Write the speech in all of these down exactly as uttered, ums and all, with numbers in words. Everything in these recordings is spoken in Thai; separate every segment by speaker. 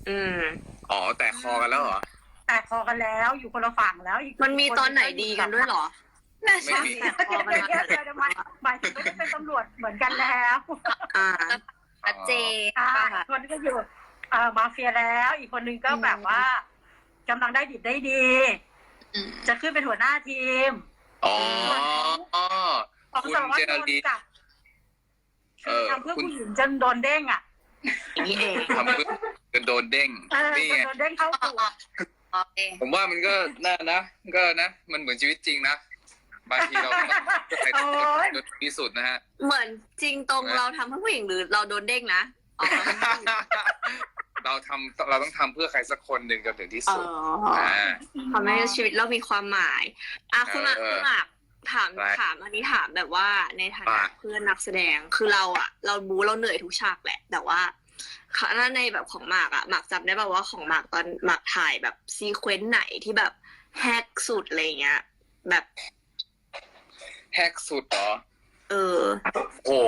Speaker 1: อืม
Speaker 2: อ๋อแต่คอกันแล้วเหรอ
Speaker 3: แต่คอกันแล้วอยู่คนละฝั่งแล้วอีก
Speaker 1: มันมีตอนไหนดีกันด้วยเหรอน่า
Speaker 2: ไม่
Speaker 1: ใช่
Speaker 2: มี
Speaker 1: แต่พอมัน
Speaker 3: เดี๋ยวเดี๋ยวเดี๋ยวหมายหมายถึงไม่ได้เป็นตำรวจเหมือนกันแล้ว
Speaker 1: อ่า
Speaker 4: ชัดเจน
Speaker 3: อ่า
Speaker 1: ค่ะ
Speaker 3: อีกคนนึงก็อยู่เอ่อมาเฟียแล้ว อีกคนนึงก็แบบว่ากำลังได้ดิบได้ดี
Speaker 4: อืม
Speaker 3: จะขึ้นเป็นหัวหน้าทีม
Speaker 2: อ๋อ
Speaker 3: ของ
Speaker 2: คุณ
Speaker 3: สารวัต
Speaker 2: เจ
Speaker 3: ร
Speaker 2: ร
Speaker 3: โดน
Speaker 2: ดี
Speaker 3: จับ
Speaker 2: เอ
Speaker 3: คือ
Speaker 2: อ
Speaker 3: ทำเพื่อ
Speaker 2: คุณ
Speaker 3: ผู้หญิงจนโดนเด้งอ่ะ
Speaker 1: อย่างนี้เอง
Speaker 2: ทำเพื่อจนโดนเด้ง
Speaker 3: เออ
Speaker 2: นี่
Speaker 3: จน
Speaker 2: ไง
Speaker 3: โดนเด้งเข้าตัว
Speaker 4: โอเค
Speaker 2: ผมว่ามันก็น่านะ ก็นะ มันเหมือนชีวิตจริงนะ บางทีเราก็ต้องใส่
Speaker 3: โอ๊ย
Speaker 2: จนที่สุดนะฮะ
Speaker 1: เหมือนจริงตรงเราทำเพื่อผู้หญิงหรือเราโดนเด้งนะอ๋อ
Speaker 2: เราทำเราต้องทำเพื่อใครสักคนหนึ่งจนถึงที่
Speaker 1: อ๋
Speaker 2: สุด
Speaker 1: อ
Speaker 2: อ่า
Speaker 1: ทำให้ชีวิตเรามีความหมายอ่ะคุณหมาก
Speaker 2: เออ
Speaker 1: คุณหมากถาม
Speaker 2: อะไร
Speaker 1: ถามอันนี้ถามแบบว่าในฐานะ
Speaker 2: ว่า
Speaker 1: เพื่อนนักแสดงคือเราอะเราบูเราเหนื่อยทุกฉากแหละ แต่ว่าถ้าในแบบของหมากอะหมากจำได้ป่าวว่าของหมากตอนหมากถ่ายแบบซีเควนต์ไหนที่แบบแฮกสุดอะไรเงี้ย แบบ
Speaker 2: แฮกสุดเหรอ
Speaker 1: เออ
Speaker 2: โห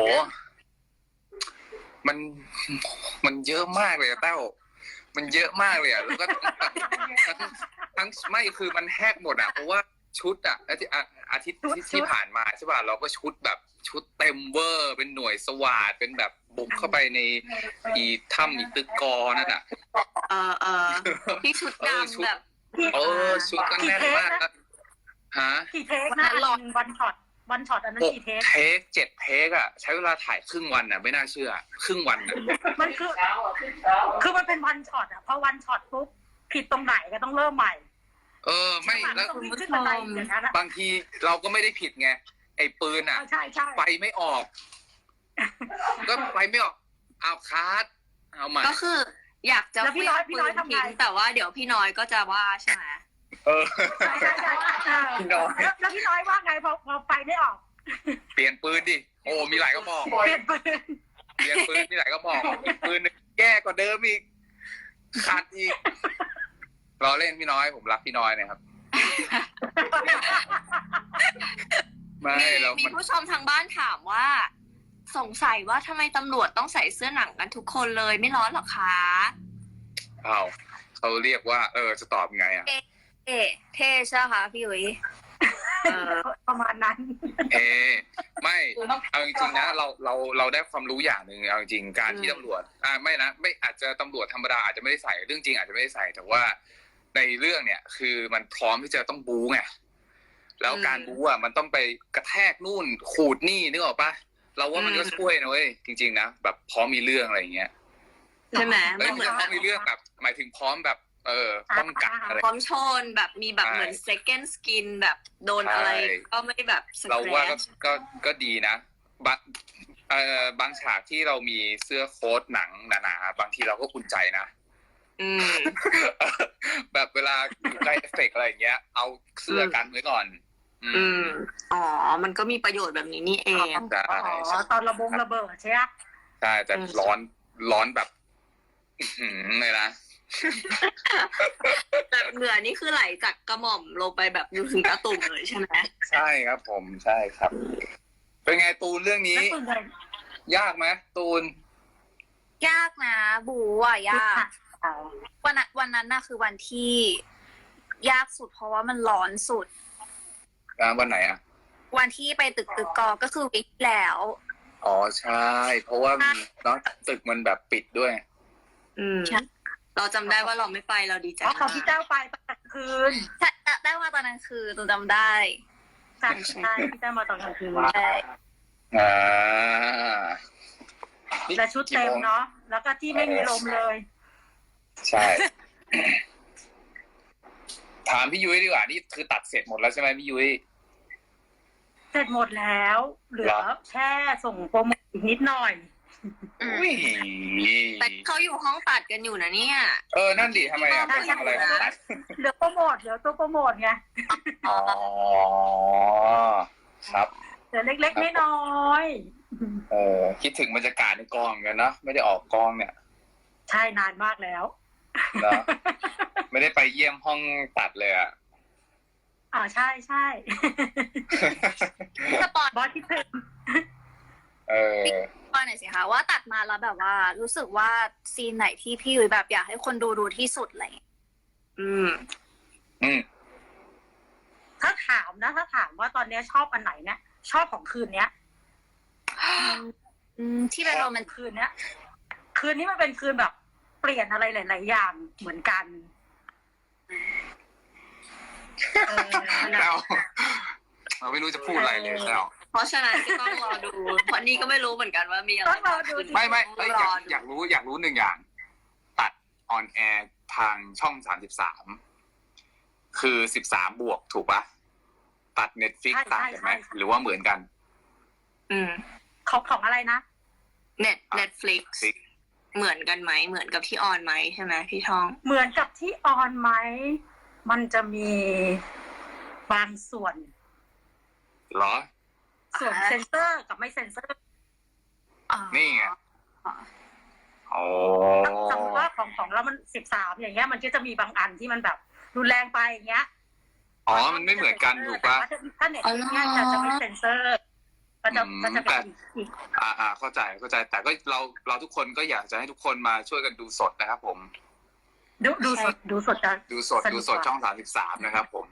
Speaker 2: มัน มันเยอะมากเลยอะเต้า มันเยอะมากเลยอะแล้วก็ทั้งทั้งไม่คือมันแฮกหมดอะเพราะว่าชุดอะอาทิตย์อะอาทิตย์ที่ที่ผ่านมาใช่ป่ะเราก็ชุดแบบชุดเต็มเวอร์ เป็นหน่วยสวาทเป็นแบบบุกเข้าไปในอีถ้ำอีตึกกอนั่นอะ
Speaker 1: เออเออที่ชุด
Speaker 2: เออชุด
Speaker 1: ดำแบบ
Speaker 2: เออชุดก็แน่นมากนะฮะ
Speaker 3: กี่เทคนะอันหนึ่งวันช็อตวันช็อตอันนั้น
Speaker 2: หก
Speaker 3: กี่เทค
Speaker 2: เทคเจ็ดเทคอะใช้เวลาถ่ายครึ่งวันอะไม่น่าเชื่อ ครึ่งวันอะ
Speaker 3: มันคือคือมันเป็นวันช็อตอ่ะพอวันช็อตปุ๊บผิดตรงไหนก็ต้องเริ่มใหม่
Speaker 2: เออไม่แล้ว
Speaker 3: ต้องวิ่งขึ้นบันไดอย่างนั้นอะ
Speaker 2: บางทีเราก็ไม่ได้ผิดไงไอ้ปืนอะ
Speaker 3: ใช่ใช่
Speaker 2: ไฟไม่ออก ก็ไฟไม่ออกเอาคาร์ดเอาใหม่
Speaker 1: ก็คืออยากจะ
Speaker 3: แล้วพี่น้อยพี่น้อยทำไง
Speaker 1: ทิ้งแต่ว่าเดี๋ยวพี่น้อยก็จะว่าใช่ไหม
Speaker 2: เออ
Speaker 3: ใช่ใช่ใช่เออ
Speaker 2: พี่น้อย
Speaker 3: แล้วแล้วพี่น้อยว่าไงพอพอไฟไม่ออก
Speaker 2: เปลี่ยนปืนดิโอ้มีหลายกระบอก
Speaker 3: เปลี่ยนปืน
Speaker 2: เปลี่ยนปืนมีหลายกระบอกอีกปืนหนึงแย่กว่าเดิมอีกขาดอีกเราเล่นพี่น้อยผมรักพี่น้อยนะครับ ไม่
Speaker 1: มี
Speaker 2: เรา
Speaker 1: มี
Speaker 2: มัน
Speaker 1: ผู้ชมทางบ้านถามว่า สงสัยว่าทำไมตำรวจต้องใส่เสื้อหนังกันทุกคนเลยไม่ร้อนหรอคะ
Speaker 2: เอาเขาเรียกว่า เออจะตอบไงอ่ะ
Speaker 4: เท่เท่ใช่ไหมคะพี่อุ๋ย
Speaker 1: เออ
Speaker 3: ประมาณนั้น
Speaker 2: เอไม่เอาจริงๆนะเราเราเราได้ความรู้อย่างหนึ่งเอาจริงๆการที่
Speaker 1: อืม
Speaker 2: ตำรวจอ่าไม่นะไม่อาจจะตำรวจธรรมดาอาจจะไม่ได้ใส่เรื่องจริงอาจจะไม่ได้ใส่แต่ว่าในเรื่องเนี่ย คือมันพร้อมที่จะต้องบู๊ไงแล้วการบู๊อ่ะมันต้องไปกระแทกนู่นขูดนี่นึกออกปะเราว่ามันก็ช่วยนะเว้ยจริงๆนะแบบพร้อมมีเรื่องอะไรอย่างเงี้ย
Speaker 1: ใช่ไหม
Speaker 2: แล้ว
Speaker 1: มันเหมือน
Speaker 2: พร้อมมีเรื่องแบบหมายถึงพร้อมแบบ เออป้องกันอะไร
Speaker 1: พร้อมชนแบบมีแบบ
Speaker 2: ใช่
Speaker 1: เหมือน second skin แบบโดนอะไร
Speaker 2: ใช่
Speaker 1: ก็ไม่แบบส
Speaker 2: เรา
Speaker 1: แคร
Speaker 2: ว่าก็
Speaker 1: ช
Speaker 2: ก็ก็ดีนะบางเอ่อบางฉากที่เรามีเสื้อโค้ทหนังหนาๆบางทีเราก็อุ่นใจนะ
Speaker 1: อืม
Speaker 2: แบบเวลาอยู่ใกล้เอฟเฟกต์อะไรอย่างเงี้ย เอาเสื้อกันไว้ก่อน อื
Speaker 1: อื
Speaker 2: ม
Speaker 1: มอ๋อมันก็มีประโยชน์แบบนี้นี่เอง
Speaker 2: ใช่
Speaker 3: อ๋อตอนระบงระเบิดใช่ไหม
Speaker 2: ใช่แต่
Speaker 1: อืม
Speaker 2: ร้อนร้อนแบบอื้อหือเลยนะ
Speaker 1: แบบเหงื่อนี่คือไหลจากกระหม่อมลงไปแบบอยู่ถึงกระตุ่มเลยใช่ไหม
Speaker 2: ใช่ครับผมใช่ครับ เป็นไงตูนเรื่องนี้
Speaker 3: แล้วส่วนใหญ่
Speaker 2: ยากไหมตูน
Speaker 4: ยากนะบูอ่ะยากวันนั้นวันนั้นน่ะคือวันที่ยากสุดเพราะว่ามันร้อนสุด
Speaker 2: อ่าวันไหนอ่ะ
Speaker 4: วันที่ไปตึกตึกกอก็คือวิกที่แล้ว
Speaker 2: อ๋อใช่ เพราะว่ามันเนาะตึกมันแบบปิดด้วย
Speaker 1: อืม
Speaker 4: ใช่
Speaker 1: เราจำได้ว่าเราไม่ไปเราดีใจ
Speaker 3: อ๋อของ
Speaker 1: มาก
Speaker 3: พี่เจ้าไปตอนกลางคืน
Speaker 4: ใช่ได้มาตอนนั้นคือตูนจำได้
Speaker 3: ใช่ใช่พี่เจ้ามาตอนกลางคืน
Speaker 4: ใช่
Speaker 2: อ่า
Speaker 3: และชุดเต็มเนาะแล้วก็ที่ไม่มีลมเลย
Speaker 2: ใช่ ถามพี่ยุ้ยดีกว่า นี่คือตัดเสร็จหมดแล้วใช่ไหมพี่ยุ้ย
Speaker 3: เสร็จหมดแล้ว เหลือ
Speaker 2: เหรอ
Speaker 3: แค่ส่งโปรโมทอีกนิดหน่อย
Speaker 4: อืม
Speaker 2: อุ้ย
Speaker 1: แต่เขาอยู่ห้องตัดกันอยู่นะเนี่ย
Speaker 2: เออ นั่นดิทำไมอ่ะ
Speaker 3: ใช่ใช่
Speaker 2: อะไรของตัด
Speaker 3: เหลือโปรโมทเหลือตัวโปรโมทไง
Speaker 2: อ๋อ ครับ
Speaker 3: เหลือเล็กๆน้อยๆ
Speaker 2: เออ คิดถึงบรรยากาศในกองเหมือนกันเนาะ ไม่ได้ออกกองเนี่ย
Speaker 3: ใช่นานมากแล้ว
Speaker 2: เนาะ ไม่ได้ไปเยี่ยมห้องตัดเลยอ่ะ
Speaker 3: อ่าใช่ใช่
Speaker 4: สปอน
Speaker 3: บอสคิดถึง
Speaker 2: เออ
Speaker 4: ตอนหน่อยสิคะว่าตัดมาแล้วแบบว่า รู้สึกว่าซีนไหนที่พี่ยุ้ยแบบอยากให้คนดูดูที่สุดอะไรอย่างเงี้ย
Speaker 1: อืม
Speaker 2: อืม
Speaker 3: ถ้าถามนะ ถ้าถามว่าตอนเนี้ยชอบอันไหนเนี่ย ชอบของคืนเนี้ย
Speaker 4: อืมที่เป็นโรแมนติก
Speaker 3: คืนเนี้ย คืนนี้มันเป็นคืนแบบ เปลี่ยนอะไรหลาย ๆ อย่างเหมือนกันเออ
Speaker 2: แต้วเราไม่รู้จะพูดอะไรเลยแต้ว
Speaker 1: เพราะฉะนั้นก็ต้องรอดู เพราะนี่ก็ไม่รู้เหมือนกันว่ามีอะไร
Speaker 3: ต้องรอดูจริง
Speaker 2: ไม่ไม่เอ้ยอยาก
Speaker 1: รดู
Speaker 2: อยากรู้อยากรู้หนึ่งอย่าง ตัดออนแอร์ทางช่องสามสิบสามคือสิบสามบวกถูกปะตัดเน็ตฟิก
Speaker 3: ใช่
Speaker 2: ต่างกันไหม
Speaker 3: ใช่ใช่
Speaker 2: หรือว่าเหมือนกัน
Speaker 1: อืม
Speaker 3: ของของอะไรนะ
Speaker 1: เน็ต Netflix เหมือนกันไหมเหมือนกับที่ออนไหมใช่ไหมพี่ทอง
Speaker 3: เหมือนกับที่ออนไหม มันจะมีบางส่วน
Speaker 2: เหรอ
Speaker 3: ส่วนเซนเซอร์กับไม่เซนเซอร์
Speaker 4: อ๋อ
Speaker 2: นี่ไง โอ้
Speaker 3: สมมติว่าของของเรามันสิบสามอย่างเงี้ย มันก็จะมีบางอันที่มันแบบรุนแรงไปอย่างเงี้ย
Speaker 2: อ๋อ มันไม่เหมือนกันถูกปะ
Speaker 3: แต่ว่าถ้าเน็ตเนี่ยจะจะไม่เซนเซอร์ ก็จะ
Speaker 2: อืม
Speaker 3: ก็จะเป็นอีก
Speaker 2: อ่าอ่าเข้าใจเข้าใจ แต่ก็เราเราทุกคนก็อยากจะให้ทุกคนมาช่วยกันดูสดนะครับผม
Speaker 3: ดูดูสดดูสดจะ
Speaker 2: ดูสดดูสดช่องสามสิบสามนะครับผม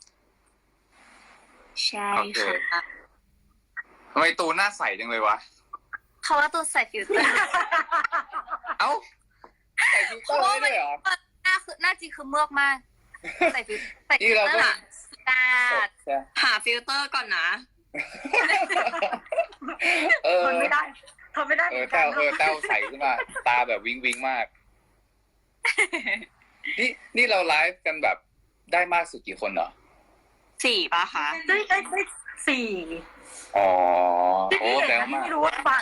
Speaker 1: ใช่
Speaker 2: โอเค
Speaker 1: ค่ะ
Speaker 2: ทำไมตูนหน้าใสจังเลยวะ
Speaker 4: เขาว่าตัวใส่ฟิลเตอร์
Speaker 2: เอ้าใส่ฟิลเตอร์ได้ด้วยเหรอ
Speaker 4: หน้าคือหน้าจริงคือเมือกมาก ใส่ฟิลใส่
Speaker 2: นี่
Speaker 4: ฟิล
Speaker 2: เรา
Speaker 4: เตอ
Speaker 2: ก็
Speaker 4: ร์อะตาด
Speaker 1: หาฟิลเตอร์ก่อนนะ
Speaker 2: เออ
Speaker 3: ทนไม่ได้ทนไม่ได้
Speaker 2: เอ
Speaker 3: เหมื
Speaker 2: อ
Speaker 3: อนกั
Speaker 2: เต้าน
Speaker 3: เน
Speaker 2: เออ
Speaker 3: อะ
Speaker 2: เต้าใสขึ้นมา ตาแบบวิงวิงมาก นี่นี่เราไลฟ์กันแบบได้มากสุดกี่คนเหรอ
Speaker 1: สี่ป่ะคะ
Speaker 3: ได้ได้ได้สี่
Speaker 2: อ๋อ
Speaker 3: ที่
Speaker 2: โอ้
Speaker 3: ที่เห็น
Speaker 2: แล้
Speaker 3: นะ
Speaker 2: ว
Speaker 3: ที่
Speaker 2: มาก
Speaker 3: ไม่รู้ว่ามา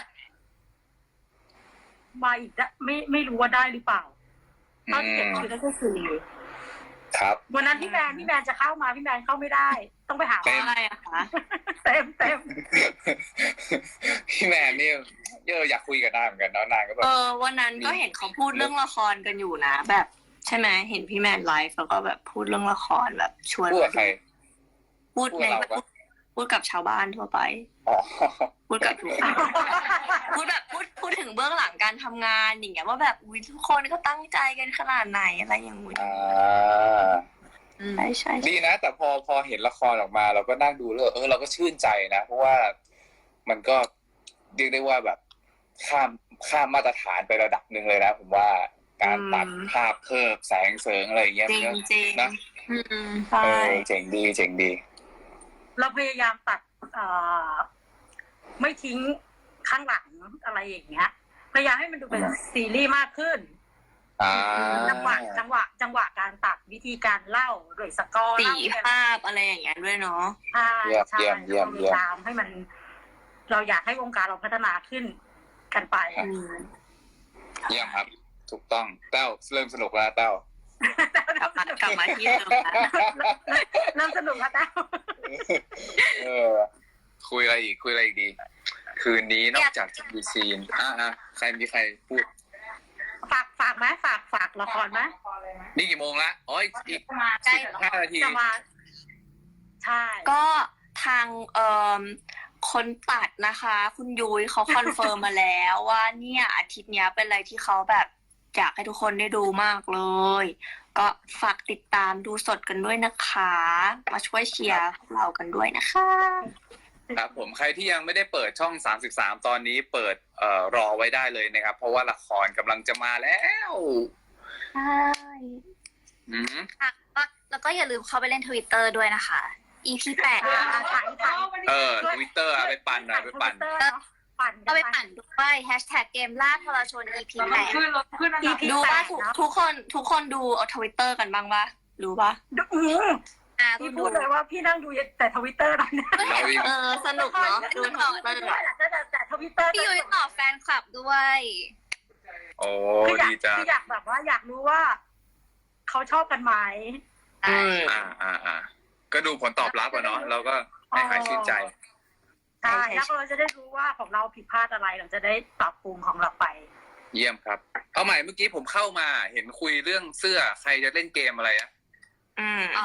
Speaker 3: มาอีกได้ไม่ไม่รู้ว่าได้หรือเปล่า
Speaker 2: อื
Speaker 3: เท่าที่เห็น
Speaker 2: ม
Speaker 3: คือได้แค่สี่
Speaker 2: ครับ
Speaker 3: วันนั้นพี่แมนพี่แมนจะเข้ามาพี่แมนเข้าไม่ได้ ต้องไปหา
Speaker 2: เต็ม
Speaker 1: อะไรอะคะ
Speaker 3: เต็มเต็ม
Speaker 2: พี่แมนนี่เยอะอยากคุยกับนางเหมือนกันเนาะนางก็แบ
Speaker 1: เอบ อวันนั้นก็เห็นเขาพูดเรื่องละครกันอยู่นะ แบบใช่ไหมเห็นพี่แมนไลฟ์แล้วก็แบบพูดเรื่องละครแบบชวน
Speaker 2: พูดกับใคร
Speaker 1: พูด
Speaker 2: พูด
Speaker 1: ใน
Speaker 2: กับเราปะ
Speaker 1: พูดกับชาวบ้านทั่วไป
Speaker 2: อ๋อ
Speaker 1: พูดกับทุกคนพูดแบบพูดพูดถึงเบื้องหลังการทำงานอย่างเงี้ยว่าแบบอุ้ยทุกคนก็ตั้งใจกันขนาดไหนอะไรอย่างเงี้ย
Speaker 2: อ่า
Speaker 1: ใช่ใช่
Speaker 2: ดีนะ แต่พอพอเห็นละครออกมา เราก็นั่งดูแล้วเออเราก็ชื่นใจนะ เพราะว่ามันก็เรียกได้ว่าแบบข้ามข้ามมาตรฐานไประดับหนึ่งเลยนะ ผมว่าการตัดภาพเพิ่มแสงเสริงอะไรอย่างเงี้ย
Speaker 1: จริง
Speaker 2: เนอะ
Speaker 1: จริง
Speaker 2: นะ
Speaker 1: อืม
Speaker 2: เอ
Speaker 1: ใช่
Speaker 2: อเจ๋งดีเจ๋งดี
Speaker 3: เราพยายามตัดเอ่อไม่ทิ้งข้างหลังอะไรอย่างเงี้ย พยายามให้มันดูเป็นซีรีส์มากขึ้น
Speaker 2: อ่า
Speaker 3: จังหวะจังหวะ จังหวะการตัดวิธีการเล่าโดยสกอร์
Speaker 1: สี
Speaker 3: เล่า
Speaker 1: ภาพอะไรอย่างเงี้ยด้วยเนาะ
Speaker 3: ใช่
Speaker 2: เยี่ยม
Speaker 3: ใช่
Speaker 2: เยี่ยมเยี่ยม
Speaker 3: พ
Speaker 2: เยี่ยม
Speaker 3: ยายามให้มัน เราอยากให้วงการเราพัฒนาขึ้นกันไป
Speaker 1: อืม
Speaker 2: เยี่ยมครับ ถูกต้องเต้าเริ่มสนุกแล้วเต้า
Speaker 1: กลับมากลับมาที่เดิมแล้ว
Speaker 3: เริ่มสนุกแล้วนะ
Speaker 2: เออ คุยอะไรอีกคุยอะไรอีกดี คืนนี้นอกจากจะมีซีนอ่าอ่าใครมีใครพูด
Speaker 3: ฝากฝากไหมฝากฝากละครไหม
Speaker 2: นี่กี่โมงละอ๋ออีกอีก
Speaker 4: ใกล้
Speaker 2: สิบห้านาที
Speaker 3: จะมาใช่
Speaker 1: ก็ทางเอ่อคนตัดนะคะ คุณยุ้ยเขาคอนเฟิร์มมาแล้วว่าเนี่ยอาทิตย์เนี้ยเป็นอะไรที่เขาแบบอยากให้ทุกคนได้ดูมากเลย ก็ฝากติดตามดูสดกันด้วยนะคะ มาช่วยเชียร์พวกเรากันด้วยนะคะ
Speaker 2: ครับผมใครที่ยังไม่ได้เปิดช่องสามสิบสามตอนนี้เปิดเอ่อรอไว้ได้เลยนะครับ เพราะว่าละครกำลังจะมาแล้ว
Speaker 1: ใช่
Speaker 2: อืม
Speaker 4: ค่ะก็แล้วก็อย่าลืมเข้าไปเล่นทวิตเตอร์ด้วยนะคะ อี พี แปด
Speaker 3: อ่าถ่ายถ่าย
Speaker 2: เออทวิตเตอร์ไปปั่นหน่อยไปปั่น
Speaker 3: ทวิตเตอร์เนอะปั่น
Speaker 4: ก็ไปปั่นด้วยแฮชแท็กเกมล่าทรชน อี พี แปด
Speaker 3: อีพี
Speaker 1: ดู
Speaker 3: แป
Speaker 1: ว่า
Speaker 3: ด
Speaker 1: ทุก
Speaker 3: เนอะ
Speaker 1: ทุกคนทุกคนดูเอาทวิตเตอร์กันบ้างปะรู้ปะ
Speaker 3: ดูอืม
Speaker 4: อ่า
Speaker 3: พี่
Speaker 4: ดู
Speaker 3: พูดเลยว่าพี่นั่งดูแต่ทวิตเตอร์ตอนนี้
Speaker 2: เราอีก
Speaker 1: เออสนุกเนาะดูทวิตเตอร์อะ
Speaker 3: แต่แต่แต่ทวิตเตอร์
Speaker 4: พี่ยุ้ยตอบแฟนคลับด้วย
Speaker 2: โอ้
Speaker 3: คืออยาก
Speaker 2: ดีจัง
Speaker 3: คืออยากแบบว่าอยากรู้ว่าเขาชอบกันไหม
Speaker 1: อืม
Speaker 2: อ่าอ่าอ่าก็ดูผลตอบรับอะเนาะเราก็ให้หายชื่นใจ
Speaker 3: ใช่แล้วเราจะได้รู้ว่าของเราผิดพลาดอะไรเราจะได้ปรับปรุงของเราไป
Speaker 2: เยี่ยมครับ เอาใหม่เมื่อกี้ผมเข้ามาเห็นคุยเรื่องเสื้อใครจะเล่นเกมอะไรอะ
Speaker 1: อืม
Speaker 4: อ๋อ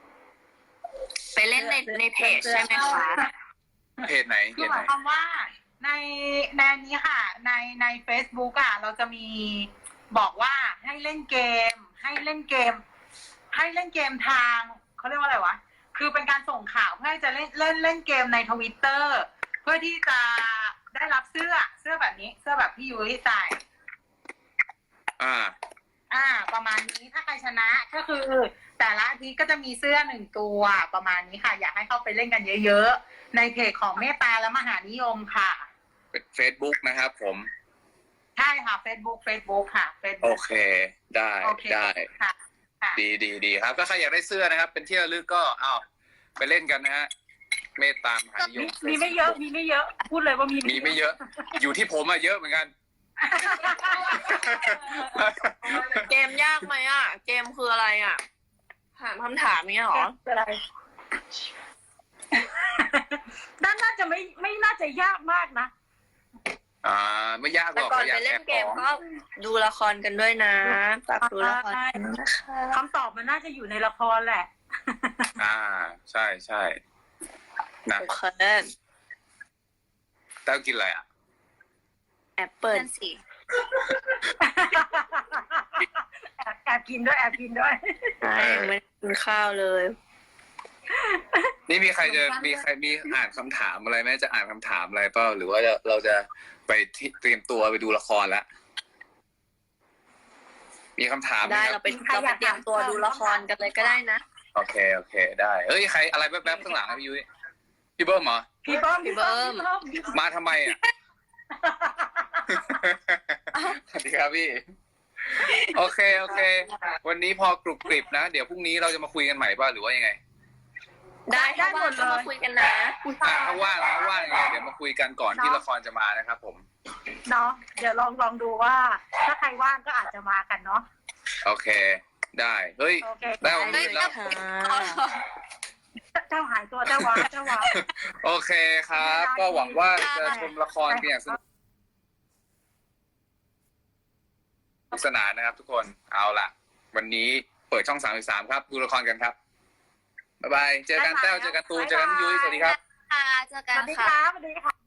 Speaker 1: ไปเล่นในในเพจใช่ไหมคะ
Speaker 2: เพจไหนเพ
Speaker 3: คือ
Speaker 2: จ
Speaker 3: ห
Speaker 2: ไหน
Speaker 3: มายความว่าในในนี้ค่ะ ในใน Facebook อ่ะเราจะมีบอกว่าให้เล่นเกม ให้เล่นเกม ให้เล่นเกมทางเขาเรียกว่าอะไรวะคือเป็นการส่งข่าวเพื่อให้จะเล่นเล่นเล่นเกมในทวิตเตอร์เพื่อที่จะได้รับเสื้อเสื้อแบบนี้ เสื้อแบบพี่ยุ้ยใส่
Speaker 2: อ่า
Speaker 3: อ่า ประมาณนี้ถ้าใครชนะก็คือ แต่ละอาทิตย์ก็จะมีเสื้อหนึ่งตัวประมาณนี้ค่ะ อยากให้เข้าไปเล่นกันเยอะๆในเพจของเมตตาและมหานิยมค่ะ
Speaker 2: เป็น Facebook นะครับผม
Speaker 3: ใช่ค่ะ Facebook Facebook ค่ะ
Speaker 2: โอ
Speaker 3: Facebook
Speaker 2: เค ได้
Speaker 3: โอเค
Speaker 2: ได้
Speaker 3: ค่ะค่ะ
Speaker 2: ดีดีดีครับถ้าใครอยากได้เสื้อนะครับ เป็นที่ระลึกก็เอาไปเล่นกันนะฮะ เมตตามหานิย
Speaker 3: มี
Speaker 2: ม
Speaker 3: มีไม่เยอะ มีไม่เยอะ พูดเลยว่ามี
Speaker 2: มีไม่เยอะ อยู่ที่ผมอะเยอะเหมือนกัน
Speaker 1: เกมยากไหมอ่ะ เกมคืออะไรอ่ะ ถามคำถามเนี้ยเหรอ
Speaker 3: อะไรน่าน่าจะไม่ไม่น่าจะยากมากนะ
Speaker 2: อ่า ไม่ยากห
Speaker 1: แต่
Speaker 2: รอก
Speaker 1: ก่อน
Speaker 2: อยา
Speaker 1: ไป
Speaker 2: ก
Speaker 1: เล่
Speaker 2: แอน บ
Speaker 1: เก
Speaker 2: ข
Speaker 1: ม
Speaker 2: อง
Speaker 1: ก็ดูละครกันด้วยนะฝากดูละครกันนะคะ
Speaker 3: คำตอบมันน่าจะอยู่ในละครแหละ
Speaker 2: อ่า ใช่ใช่นะ
Speaker 1: โอเค
Speaker 2: แต้วกินอะไรอ่ะ
Speaker 1: แอปเปิล
Speaker 4: นั่นสิ
Speaker 3: แอบแอบกินด้วยแอบกินด้วย
Speaker 1: ใช่ยังไม่ได้กินข้าวเลย
Speaker 2: นี่มีใครจะมีใครมีอ่านคำถามอะไรไหมจะอ่านคำถามอะไรเปล่าหรือว่าจะเราจะไปที่เตรียมตัวไปดูละครแล้ว มีคำถามไหม
Speaker 1: ได้
Speaker 2: ค
Speaker 1: เรา
Speaker 2: รับ
Speaker 1: ไปเราไปเตรียมตัวดูละครกันเลยก็ได้นะ
Speaker 2: โอเคโอเค ได้เอ้ยใครอะไรแป๊บๆข้างหลังอะพี่ยุ้ยพี่เบิ้มเหรอ
Speaker 3: พี่เบิ้ม
Speaker 1: พี่เบิ้ม
Speaker 3: พี่เบิ้ม
Speaker 2: มาทำไมอ่ะ สวัสดีครับพี่ โอเคโอเค วันนี้พอกรุบกริบนะ เดี๋ยวพรุ่งนี้เราจะมาคุยกันใหม่ป่ะหรือว่ายังไง
Speaker 1: ได้ถ้าว่างก็มาคุยกันนะ
Speaker 2: อ่าถ้าว่างถ้าว่างยังไงเดี๋ยวมาคุยกันก่อนที่ละครจะมานะครับผม
Speaker 3: เนาะเดี๋ยวลองลองดูว่า ถ้าใครว่างก็อาจจะมากันเนาะ
Speaker 2: โอเค ได้เฮ้ย
Speaker 3: โอเค
Speaker 2: ได้
Speaker 1: ได้
Speaker 2: แล้ว
Speaker 1: ค่ะ
Speaker 3: เจ้าหายตัวเจ้าวาเจ้าวา
Speaker 2: โอเคครับ ก็หวังว่าจะชมละครกันอย่างสนุกสนานนะครับทุกคนเอาล่ะ วันนี้เปิดช่องสามสิบสามครับ ดูละครกันครับ บ๊ายบาย เจอกันแต้วเจอกันตูนเจอกันยุ้ยสวัสดีครับ
Speaker 4: ค่ะเจอ
Speaker 3: ส
Speaker 4: กัน
Speaker 3: วัสดี
Speaker 4: ค่ะ
Speaker 3: ครับสวัสดีค่ะ